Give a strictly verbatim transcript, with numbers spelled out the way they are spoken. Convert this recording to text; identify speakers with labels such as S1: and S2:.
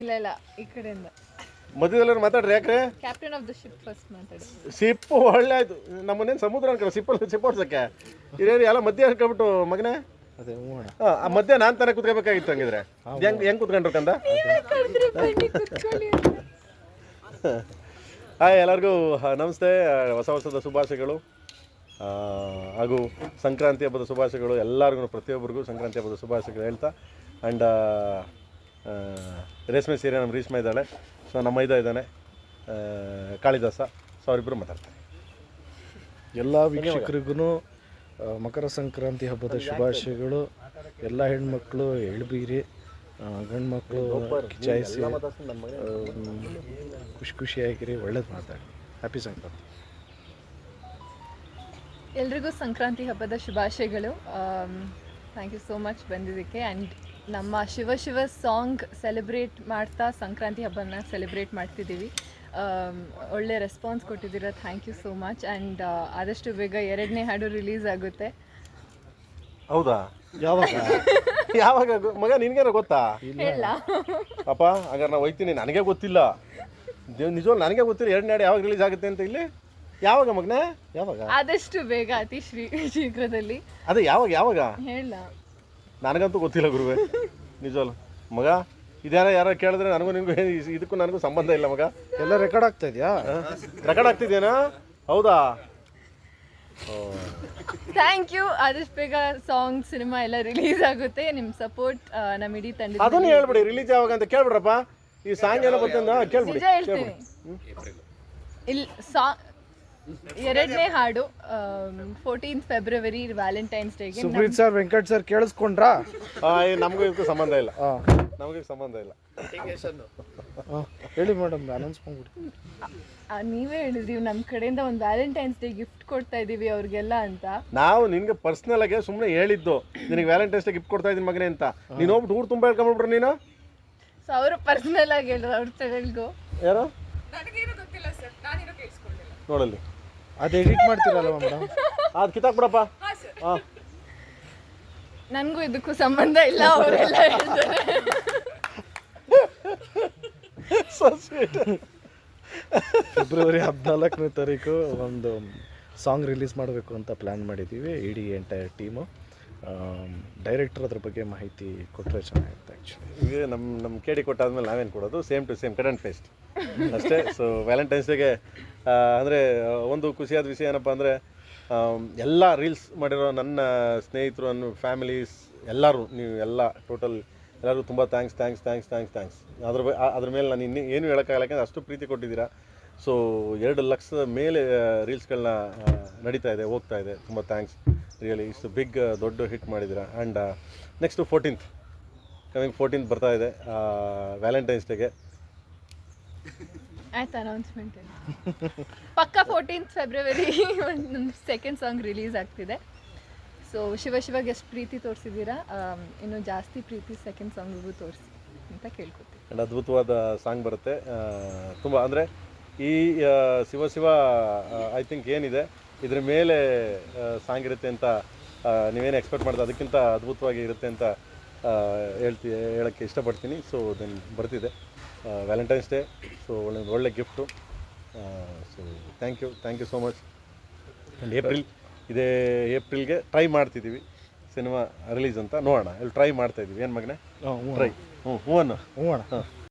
S1: ಇಲ್ಲ ಇಲ್ಲ ಈ ಕಡೆಯಿಂದ
S2: ಮಧ್ಯದಲ್ಲಿ ಮಾತಾಡ್ರಿ ಯಾಕ್ರೆ
S1: captain of the ship first ಮಾತಾಡಿ.
S2: ಸಿಪ್ ಒಳ್ಳೆ ಆಯ್ತು. ನಮ್ಮನ್ನೇನು ಸಮುದ್ರ ಅನ್ಕೊಳ್ಳೋ ಸಿಪ್ಪಲ್ಲಿ ಸಿಪ್ ಓಡ್ಸಕ್ಕೆ ಇರೇನು ಎಲ್ಲ ಮಧ್ಯ ಹಾಕೊಂಡ್ಬಿಟ್ಟು ಮಗನೇ.
S3: ಅದೇ ಹೂಣ
S2: ಹಾಂ ಆ ಮಧ್ಯ ನಾನು ತಾನೇ ಕುತ್ಕೋಬೇಕಾಗಿತ್ತು ಹಂಗಿದ್ರೆ ಹೆಂಗೆ ಹೆಂಗೆ ಕುತ್ಕೊಂಡ್ರು ಕಂದ. ಹಾಯ್ ಎಲ್ಲರಿಗೂ ನಮಸ್ತೆ. ಹೊಸ ವರ್ಷದ ಶುಭಾಶಯಗಳು ಹಾಗೂ ಸಂಕ್ರಾಂತಿ ಹಬ್ಬದ ಶುಭಾಶಯಗಳು ಎಲ್ಲರಿಗೂ, ಪ್ರತಿಯೊಬ್ಬರಿಗೂ ಸಂಕ್ರಾಂತಿ ಹಬ್ಬದ ಶುಭಾಶಯಗಳು ಹೇಳ್ತಾ. ಆ್ಯಂಡ್ ರೇಷ್ಮೆ ಸೀರೆ ನಮ್ಮ ರೇಷ್ಮೆ ಇದ್ದಾಳೆ, ಸೊ ನಮ್ಮ ಮೈದ ಇದ್ದಾನೆ ಕಾಳಿದಾಸ, ಸೊ ಅವರಿಬ್ಬರು ಮಾತಾಡ್ತಾರೆ.
S3: ಎಲ್ಲ ವೀಕ್ಷಕರಿಗೂ ಮಕರ ಸಂಕ್ರಾಂತಿ ಹಬ್ಬದ ಶುಭಾಶಯಗಳು. ಎಲ್ಲ ಹೆಣ್ಮಕ್ಳು ಎಳ್ಬೀರಿ, ಗಂಡು ಮಕ್ಕಳು ಕಿಚಾಯಿಸಿ ಖುಷಿ ಖುಷಿಯಾಗಿರಿ, ಒಳ್ಳೇದು ಮಾತಾಡಿ. ಹ್ಯಾಪಿ ಸಂಕ್ರಾಂತಿ.
S1: ಎಲ್ರಿಗೂ ಸಂಕ್ರಾಂತಿ ಹಬ್ಬದ ಶುಭಾಶಯಗಳು. ಥ್ಯಾಂಕ್ ಯು ಸೋ ಮಚ್ ಬಂದಿದ್ದಕ್ಕೆ. ಆ್ಯಂಡ್ ನಮ್ಮ ಶಿವ ಶಿವ ಸಾಂಗ್ ಸೆಲೆಬ್ರೇಟ್ ಮಾಡ್ತಾ ಸಂಕ್ರಾಂತಿ ಹಬ್ಬನ ಸೆಲೆಬ್ರೇಟ್ ಮಾಡ್ತಿದ್ದೀವಿ. ಒಳ್ಳೆ ರೆಸ್ಪಾನ್ಸ್ ಕೊಟ್ಟಿದ್ದೀರ, thank you so much. And ಆದಷ್ಟು ಬೇಗ ಎರಡನೇ ಹಾಡು ರಿಲೀಸ್ ಆಗುತ್ತೆ.
S2: ಹೌದಾ? ಯಾವಾಗ ಯಾವಾಗ ಮಗ ನಿನಗೇನೋ ಗೊತ್ತಾ?
S1: ಇಲ್ಲ
S2: ಅಪ್ಪ ಹಾಗಾದ್ರೆ ನಾವು ಹೋಗ್ತೀನಿ, ನನಗೆ ಗೊತ್ತಿಲ್ಲ. ದೇವ್ ನಿಜವಾಗ್ಲೂ ನನಗೆ ಗೊತ್ತಿಲ್ಲ ಎರಡನೇ ಹಾಡು ಯಾವಾಗ ರಿಲೀಸ್ ಆಗುತ್ತೆ ಅಂತ. ಇಲ್ಲಿ ಯಾವಾಗ ಮಗನ? ಯಾವಾಗ?
S1: ಆದಷ್ಟು ಬೇಗ, ಅತಿ ಶ್ರೀ ಶೀಘ್ರದಲ್ಲಿ.
S2: ಅದೇ ಯಾವಾಗ ಯಾವಾಗ
S1: ಹೇಳ?
S2: ನನಗಂತೂ ಗೊತ್ತಿಲ್ಲ ಗುರುವೆ, ನಿಜವಲ್ಲ ಮಗ. ಇದ್ಯಾರ ಯಾರು ಕೇಳಿದ್ರೆ ನನಗೂ ನಿಮಗೂ ಇದಕ್ಕೂ ನನಗೂ ಸಂಬಂಧ ಇಲ್ಲ ಮಗ.
S3: ಎಲ್ಲ ರೆಕಾರ್ಡ್ ಆಗ್ತಾ ಇದೆಯಾ?
S2: ರೆಕಾರ್ಡ್ ಆಗ್ತಿದೇನಾ? ಹೌದಾ?
S1: Thank you. ಆದಷ್ಟು ಬೇಗ ಸಾಂಗ್, ಸಿನಿಮಾ ಎಲ್ಲ ರಿಲೀಸ್ ಆಗುತ್ತೆ. ನಿಮ್ಮ ಸಪೋರ್ಟ್ ನಮ್ಮ ಇಡೀ ತಂಡ.
S2: ಅದನ್ನು ಹೇಳ್ಬಿಡಿ, ರಿಲೀಸ್ ಯಾವಾಗ ಅಂತ ಕೇಳ್ಬಿಡ್ರಪ್ಪ. ಈ ಸಾಂಗ್ ಏನೋ ಬರ್ತಂದ ಕೇಳ್ಬಿಡಿ.
S1: ನಿಜ ಹೇಳ್ತೀನಿ. ಇಲ್ಲಿ ಸಾ ಎರಡನೇ ಹಾಡು ಫೋರ್ಟೀನ್ತ್ ಫೆಬ್ರವರಿ ವ್ಯಾಲೆಂಟೈನ್ಸ್ ಡೇಗೆ.
S3: ಸುಪ್ರೀತ್ ಸರ್, ವೆಂಕಟ್ ಸರ್ ಕೇಳಿಸ್ಕೊಂಡ್ರಾ?
S2: ನಮಗೂ ಇದಕ್ಕೂ ಸಂಬಂಧ ಇಲ್ಲ, ನಮಗೆ ಸಂಬಂಧ ಇಲ್ಲ.
S3: ಹೇಳಿ ಮೇಡಮ್, ಅನೌನ್ಸ್ ಮಾಡ್ಬಿಡಿ.
S1: ನೀವೇ ಹೇಳಿದ್ರಿ ನಮ್ಮ ಕಡೆಯಿಂದ ಒಂದು ವ್ಯಾಲೆಂಟೈನ್ಸ್ ಡೇ ಗಿಫ್ಟ್ ಕೊಡ್ತಾ ಇದೀವಿ ಅವ್ರಿಗೆಲ್ಲ ಅಂತ.
S2: ನಾವು ನಿನ್ಗೆ ಪರ್ಸನಲ್ ಆಗಿ ಸುಮ್ಮನೆ ಹೇಳಿದ್ದು, ನಿನಗೆ ವ್ಯಾಲೆಂಟೈನ್ಸ್ ಡೇ ಗಿಫ್ಟ್ ಕೊಡ್ತಾ ಇದೀನಿ ಮಗನೇ ಅಂತ. ನೀನು ಹೋಗ್ಬಿಟ್ಟು ಊರು ತುಂಬ ಹೇಳ್ಕೊಂಡ್ಬಿಟ್ರೆ ನೀನು.
S1: ಸೊ ಅವರು ಪರ್ಸನಲ್ ಆಗಿ ಹೇಳಿದ್ರು ಅವ್ರ ತಡೆಗೂ.
S2: ಯಾರು ನೋಡಲ್ಲಿ
S3: ಅದು ಎಡಿಟ್ ಮಾಡ್ತೀರಲ್ವ ಮೇಡಮ್?
S2: ಅದು ಕಿತ್ತಾಕ್ಬಿಡಪ್ಪ. ಹಾಂ,
S1: ನನಗೂ ಇದಕ್ಕೂ ಸಂಬಂಧ ಇಲ್ಲ, ಅವರೆಲ್ಲ ಹೇಳ್ತಾರೆ.
S3: ಫೆಬ್ರವರಿ ಹದಿನಾಲ್ಕನೇ ತಾರೀಕು ಒಂದು ಸಾಂಗ್ ರಿಲೀಸ್ ಮಾಡಬೇಕು ಅಂತ ಪ್ಲ್ಯಾನ್ ಮಾಡಿದ್ದೀವಿ, ಇಡೀ ಎಂಟೈರ್ ಟೀಮು. ಡೈರೆಕ್ಟರ್ ಅದ್ರ ಬಗ್ಗೆ ಮಾಹಿತಿ ಕೊಟ್ಟರೆ ಚೆನ್ನಾಗಿರುತ್ತೆ. ಆ್ಯಕ್ಚುಲಿ
S2: ಈಗ ನಮ್ಮ ನಮ್ಮ ಕೇಳಿ ಕೊಟ್ಟಾದ್ಮೇಲೆ ನಾವೇನು ಕೊಡೋದು, same to same cut and paste ಅಷ್ಟೇ. ಸೊ ವ್ಯಾಲೆಂಟೈನ್ಸ್ ಡೇಗೆ ಅಂದರೆ ಒಂದು ಖುಷಿಯಾದ ವಿಷಯ ಏನಪ್ಪ ಅಂದರೆ, ಎಲ್ಲ ರೀಲ್ಸ್ ಮಾಡಿರೋ ನನ್ನ ಸ್ನೇಹಿತರು, ನನ್ನ ಫ್ಯಾಮಿಲೀಸ್ ಎಲ್ಲರೂ, ನೀವು ಎಲ್ಲ ಟೋಟಲ್ ಎಲ್ಲರೂ ತುಂಬ thanks thanks thanks thanks thanks ಅದ್ರ ಬ ಅದ್ರ ಮೇಲೆ ನಾನು ಇನ್ನೂ ಏನು ಹೇಳೋಕ್ಕಾಗಲ್ಲ, ಯಾಕಂದರೆ ಅಷ್ಟು ಪ್ರೀತಿ ಕೊಟ್ಟಿದ್ದೀರಾ. ಸೊ ಎರಡು ಲಕ್ಷದ ಮೇಲೆ ರೀಲ್ಸ್ಗಳನ್ನ ನಡೀತಾ ಇದೆ, ಹೋಗ್ತಾ ಇದೆ. ತುಂಬ ಥ್ಯಾಂಕ್ಸ್ ರಿಯಲಿ. ಇಷ್ಟು ಬಿಗ್ ದೊಡ್ಡ ಹಿಟ್ ಮಾಡಿದ್ದೀರಾ. And next fourteenth coming fourteenth ಬರ್ತಾ ಇದೆ ವ್ಯಾಲೆಂಟೈನ್ಸ್ ಡೇಗೆ.
S1: ಆಯ್ತು, ಅನೌನ್ಸ್ಮೆಂಟ್ ಪಕ್ಕ ಫೋರ್ಟೀನ್ತ್ ಫೆಬ್ರವರಿ ಒಂದು ಸೆಕೆಂಡ್ ಸಾಂಗ್ ರಿಲೀಸ್ ಆಗ್ತಿದೆ. ಸೊ ಶಿವ ಶಿವಾಗ ಎಷ್ಟು ಪ್ರೀತಿ ತೋರಿಸಿದ್ದೀರಾ, ಇನ್ನೂ ಜಾಸ್ತಿ ಪ್ರೀತಿ ಸೆಕೆಂಡ್ ಸಾಂಗಿಗೂ ತೋರಿಸಿ ಅಂತ ಕೇಳ್ಕೊತೀವಿ.
S2: ಆ್ಯಂಡ್ ಅದ್ಭುತವಾದ ಸಾಂಗ್ ಬರುತ್ತೆ ತುಂಬ. ಅಂದರೆ ಈ ಶಿವ ಶಿವ ಐ ಥಿಂಕ್ ಏನಿದೆ ಇದ್ರ ಮೇಲೆ ಸಾಂಗ್ ಇರುತ್ತೆ ಅಂತ ನೀವೇನು ಎಕ್ಸ್ಪೆಕ್ಟ್ ಮಾಡಿದ್ರೆ ಅದಕ್ಕಿಂತ ಅದ್ಭುತವಾಗಿ ಇರುತ್ತೆ ಅಂತ ಹೇಳ್ತಿ ಹೇಳೋಕ್ಕೆ ಇಷ್ಟಪಡ್ತೀನಿ. ಸೊ ದೆನ್ ಬರ್ತಿದೆ ವ್ಯಾಲೆಂಟೈನ್ಸ್ ಡೇ. ಸೊ ಒಳ್ಳೆ ಒಳ್ಳೆ gift. So thank you thank you so much. And April ಇದೇ ಏಪ್ರಿಲ್ಗೆ ಟ್ರೈ ಮಾಡ್ತಿದ್ದೀವಿ ಸಿನಿಮಾ ರಿಲೀಸ್ ಅಂತ. ನೋಡೋಣ, ಇಲ್ಲಿ ಟ್ರೈ ಮಾಡ್ತಾಯಿದ್ದೀವಿ. ಏನು ಮಗನೇ ಟ್ರೈ? ಹ್ಞೂ ಹ್ಞೂ ಅಣ್ಣ,
S3: ಹ್ಞೂ ಅಣ್ಣ.
S2: ಹಾಂ.